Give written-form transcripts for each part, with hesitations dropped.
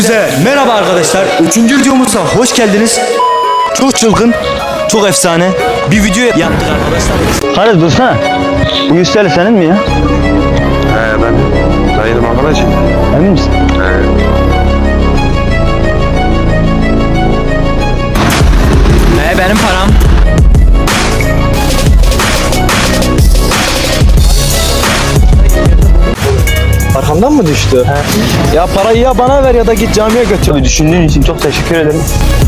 Hepinize merhaba arkadaşlar. 3. videomuza hoş geldiniz. Çok çılgın, çok efsane bir video yaptık arkadaşlar. Hadi dursana. Bu 100 TL senin mi ya? Ben dayının arkadaşım. Emin misin? Benim param. Arkamdan mı düştü? Ya parayı ya bana ver ya da git camiye götür. Düşündüğün için çok teşekkür ederim.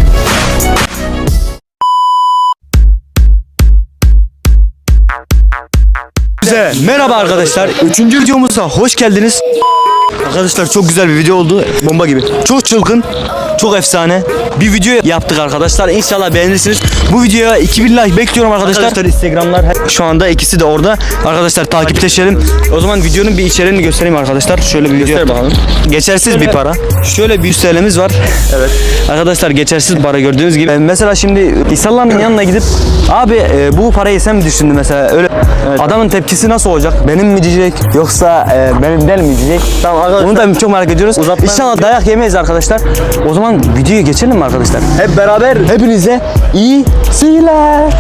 Hepinize merhaba arkadaşlar. 3. videomuza hoş geldiniz. Arkadaşlar çok güzel bir video oldu. Bomba gibi. Çok çılgın, çok efsane bir video yaptık arkadaşlar. İnşallah beğenirsiniz. Bu videoya 2000 like bekliyorum arkadaşlar. Instagramlar şu anda ikisi de orada. Arkadaşlar takipleşelim. O zaman videonun bir içeriğini göstereyim arkadaşlar. Şöyle bir video bakalım. Geçersiz bir para. Şöyle bir 100 TL'miz var. Evet. Arkadaşlar geçersiz para gördüğünüz gibi. Mesela şimdi İhsan'ın yanına gidip abi bu parayı sen mi düşündün mesela? Öyle adamın tepkisi nasıl olacak? Benim mi diyecek yoksa benim değil mi diyecek? Tamam arkadaşlar. Bunu da çok merak ediyoruz. İnşallah dayak yemeyiz arkadaşlar. O zaman videoya geçelim mi arkadaşlar? Hep beraber hepinize iyi seyirler.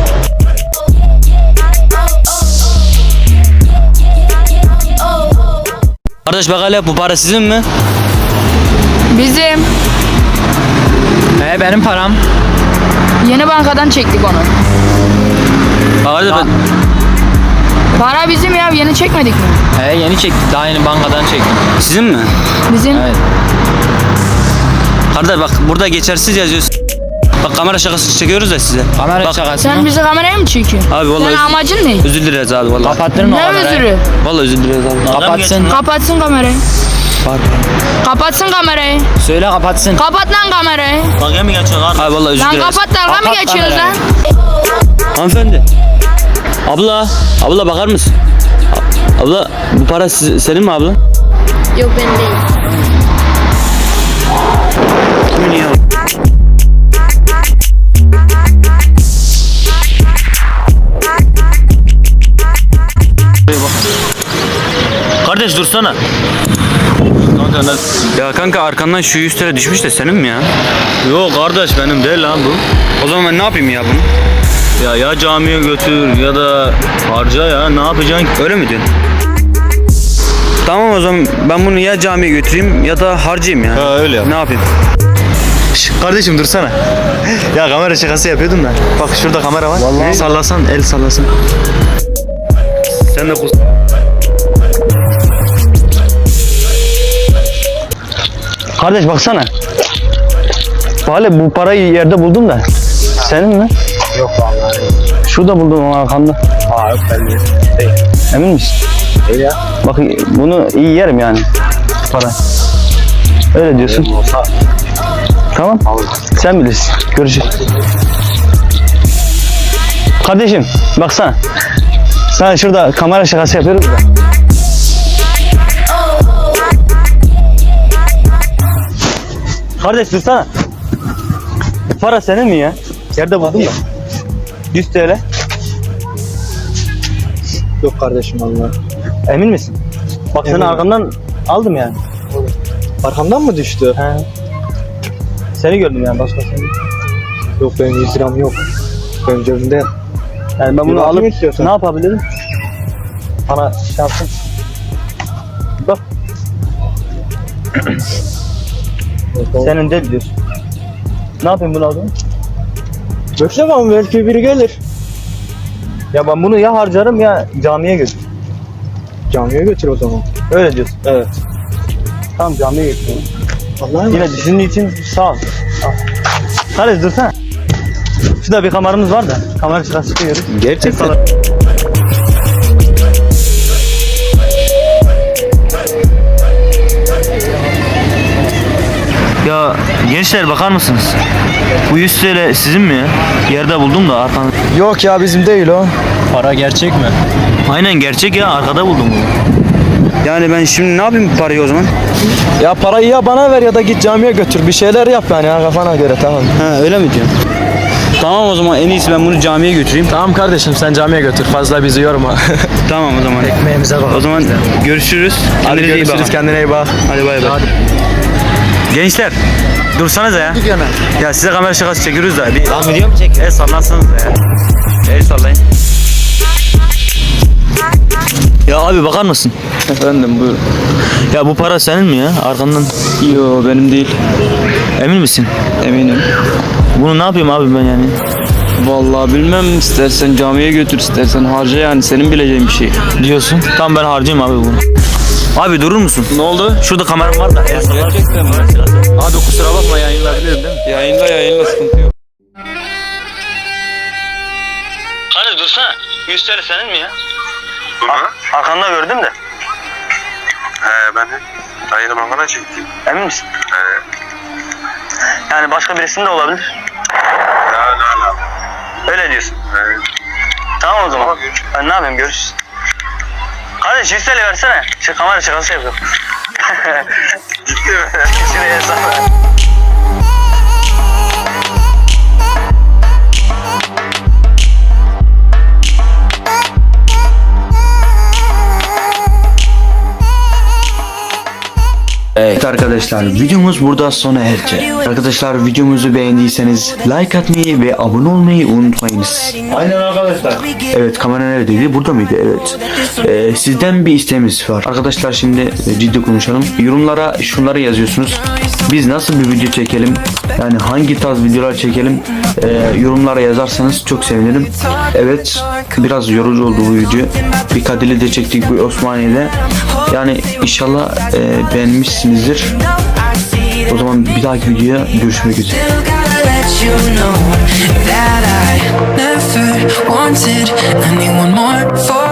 Kardeş bak hele bu para sizin mi? Bizim. Benim param. Yeni bankadan çektik onu. Kardeş ben... Para bizim ya, yeni çekmedik mi? Yeni çektik. Daha yeni bankadan çektim. Sizin mi? Bizim. Evet. Kardeş bak burada geçersiz yazıyorsun. Bak kamera şakası çekiyoruz da size. Kamera bak, şakası Sen mı? bizi kameraya mı çekiyorsun? Abi vallahi Senin amacın ne? özür dileriz abi vallahi. Kapattın mı Ne kamerayı? özürü? Vallahi özür dileriz abi. Kapatsın. Kapatsın kamerayı. Kapatsın kamerayı. Söyle kapatsın. Kapat lan kamerayı. Dalga mı geçiyorsun abi? Abi vallahi özür Lan dileriz. kapat, dalga mı Kapat geçiyoruz kamerayı. lan? Hanımefendi. Abla bakar mısın? Abla bu para senin mi abla? Yok, benim değil. Kimin ya? Kardeş dursana. Ya kanka arkandan şu 100 TL düşmüş de senin mi ya? Yok kardeş benim değil lan bu. O zaman ben ne yapayım ya bunu? Ya camiye götür ya da harca ya ne yapacaksın? Öyle mi diyorsun? Tamam o zaman ben bunu ya camiye götüreyim ya da harcayayım ya. Ha, öyle yap. Ne yapayım? Kardeşim dursana. Ya kamera şakası yapıyordum da. Bak şurada kamera var. Vallahi. Sallasan, el sallasan. Sen de kus. Kardeş baksana. Valla bu parayı yerde buldum da. Senin mi? Yok vallahi. Şurada buldum ama arkamda. Yok ben değil. Emin misin? Değil ya. Bak bunu iyi yerim yani. Para. Öyle diyorsun. Tamam. Sen bilirsin. Görüşürüz. Kardeşim baksana. Sana şurada kamera şakası yapıyoruz da. Kardeş dursana. Para senin mi ya? Yerde buldum da. 100 TL. Yok kardeşim vallahi. Emin misin? Bak seni Eminim. arkamdan aldım yani. Arkamdan mı düştü? He. Seni gördüm yani başkasını. Yok benim 100 liram yok. Benim cebimde. Yani ben bunu bakayım alıp istiyorsan. ne yapabilirim? Bana şansın. Bak senin de diyorsun. Ne yapayım bunu aldım? Bekle bakalım belki biri gelir. Ya ben bunu ya harcarım ya camiye götür. Camiye götür o zaman. Öyle diyorsun. Evet. Tamam camiye götürüyorum. Vallahi Yine düşündüğün için sağ ol. Al. Hadi dursana. Şurada bir kameramız var da kamera şakası çıkıyoruz. Gerçekten. Ya gençler bakar mısınız? Bu 100 TL sizin mi ya? Yerde buldum da arkamda. Yok ya bizim değil o. Para gerçek mi? Aynen gerçek ya arkada buldum bunu. Yani ben şimdi ne yapayım bu parayı o zaman? Ya parayı ya bana ver ya da git camiye götür. Bir şeyler yap yani ya kafana göre tamam. Ha öyle mi diyorsun? Tamam o zaman en iyisi ben bunu camiye götüreyim. Tamam kardeşim sen camiye götür. Fazla bizi yorma. Tamam o zaman. Ekmeğimize bak. O zaman görüşürüz. Hadi Kendinize iyi görüşürüz bakın. kendine iyi bak. Hadi bay bay. Gençler dursanıza ya. Ya size kamera şakası çekiyoruz da. Bir Lan video mu çekiyor? el sallansınız da ya. El sallayın. Ya abi bakar mısın? Efendim buyur. Ya bu para senin mi ya? Arkandan. Yo benim değil. Emin misin? Eminim. Bunu ne yapayım abi ben yani? Vallahi bilmem, istersen camiye götür, istersen harca, yani senin bileceğin bir şey. Diyorsun. Tamam ben harcayayım abi bunu. Abi durur musun? Ne oldu? Şurada kameram var da. El sallar. Gerçekten mi? Abi kusura bakma yayınlayabilirim değil mi? Yayınla sıkıntı yok. Hadi dursana. 100 TL senin mi ya? Arkanda gördüm de. Ben de dayını mangala çektim. Emin misin? Yani başka birisinin de olabilir. La. Öyle diyorsun. Tamam o zaman. Ben ne yapayım, görüşürüz. Kardeş 100 TL versene. Kamera şakası yapıyorum. Ciddi mi? Şuraya hesap ver. Evet arkadaşlar, videomuz burada sona erecek. Arkadaşlar, videomuzu beğendiyseniz like atmayı ve abone olmayı unutmayınız. Aynen arkadaşlar. Evet, kamera neredeydi? Burada mıydı? Evet. Sizden bir isteğimiz var. Arkadaşlar şimdi ciddi konuşalım. Yorumlara şunları yazıyorsunuz. Biz nasıl bir video çekelim? Yani hangi tarz videolar çekelim? Yorumlara yazarsanız çok sevinirim. Evet, biraz yorucu oldu bu video. Bir Kadir'le de çektik, bu Osmaniye'de. Yani inşallah beğenmişsinizdir. O zaman bir dahaki videoya görüşmek üzere. You know that I never wanted anyone more for